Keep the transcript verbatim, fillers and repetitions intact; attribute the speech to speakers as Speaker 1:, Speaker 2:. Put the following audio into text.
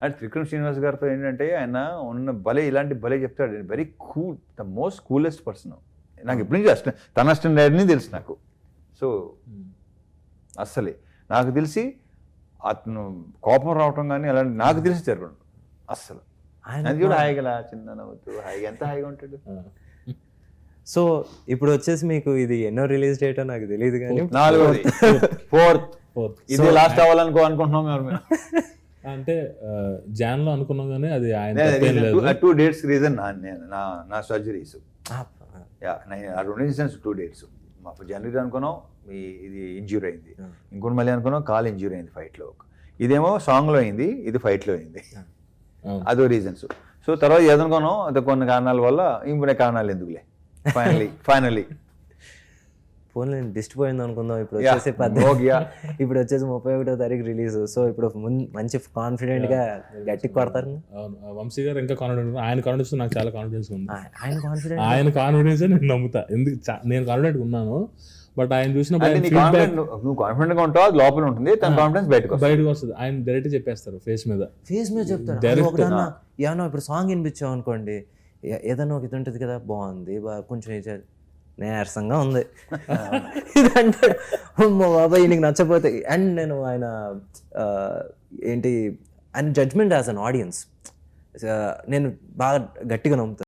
Speaker 1: And Trivikram Srinivas గారితో ఏంటంటే ఆయన ఉన్న భలే ఇలాంటి భలే చెప్తాడు, very cool, the most coolest person. నాకు ఎప్పటి నుంచి అష్టం తన అష్టం డాడీని తెలుసు నాకు. సో అస్సలే నాకు తెలిసి అతను కోపం రావటం కానీ అలాంటి నాకు తెలిసి జరగడం అస్సలు. అది కూడా హాయిగా చిన్న నవ్వుతూ హాయిగా ఎంత హాయిగా ఉంటాడు.
Speaker 2: సో ఇప్పుడు వచ్చేసి మీకు ఇది ఎన్నో రిలీజ్ డేటో నాకు తెలియదు కానీ
Speaker 1: నాలుగోది ఫోర్త్ ఫోర్త్ ఇది లాస్ట్ అవ్వాలనుకో అనుకుంటున్నాం మేము.
Speaker 3: అంటే జాన్ లో అనుకున్నాం కానీ అది ఆయన
Speaker 1: టూ డేట్స్ రీజన్ నా నా సర్జరీస్ ఆ రెండు ఇన్సిడెంట్స్ టూ డేట్స్. మాకు జనవరి అనుకున్నాం ఇది ఇంజ్యూర్ అయింది, ఇంకోటి మళ్ళీ అనుకున్నాం కాల్ ఇంజ్యూర్ అయింది ఫైట్లో. ఇదేమో సాంగ్లో అయింది, ఇది ఫైట్లో అయింది, అదో రీజన్స్. సో తర్వాత ఏదనుకున్నాం అది కొన్ని కారణాల వల్ల ఇంకొన్ని కారణాలు ఎందుకులే ఫైనలీ ఫైనలీ
Speaker 2: ఫోన్ దిష్టి పోయింది అనుకుందాం. ఇప్పుడు వచ్చేసి పద్దెనిమిది ఇప్పుడు వచ్చేసి ముప్పై ఒకటో తారీఖు రిలీజ్. సో ఇప్పుడు మంచి కాన్ఫిడెంట్ గా గట్టి కొడతారు.
Speaker 3: వంశీ గారు ఇంకా కాన్ఫిడెంట్, ఆయన కాన్ఫిడెన్స్ నాకు చాలా కాన్ఫిడెన్స్ ఉంది.
Speaker 2: ఆయన కాన్ఫిడెంట్
Speaker 3: ఆయన కాన్ఫిడెన్స్ నేను నమ్ముతా, ఎందుకు నేను కాన్ఫిడెంట్ ఉన్నాను. బట్ ఆయన చూసినప్పుడు
Speaker 1: నువ్వు కాన్ఫిడెంట్ గా ఉంటావు, లోపల ఉంటుంది, తన కాన్ఫిడెన్స్ బయటకు
Speaker 3: బయటకు వస్తుంది. ఆయన డైరెక్ట్ చెప్పేస్తారు ఫేస్ మీద
Speaker 2: ఫేస్ మీద చెప్తారు. ఏమన్నా ఇప్పుడు సాంగ్ వినిపించావు అనుకోండి, ఏదన్నా ఒక ఇది ఉంటుంది కదా, బాగుంది కొంచెం నీరసంగా ఉంది ఇదంటే బాబాయ్ నీకు నచ్చపోతే. అండ్ నేను ఆయన ఏంటి ఆయన జడ్జ్మెంట్ యాజ్ అన్ ఆడియన్స్ నేను బాగా గట్టిగా నమ్ముతాను.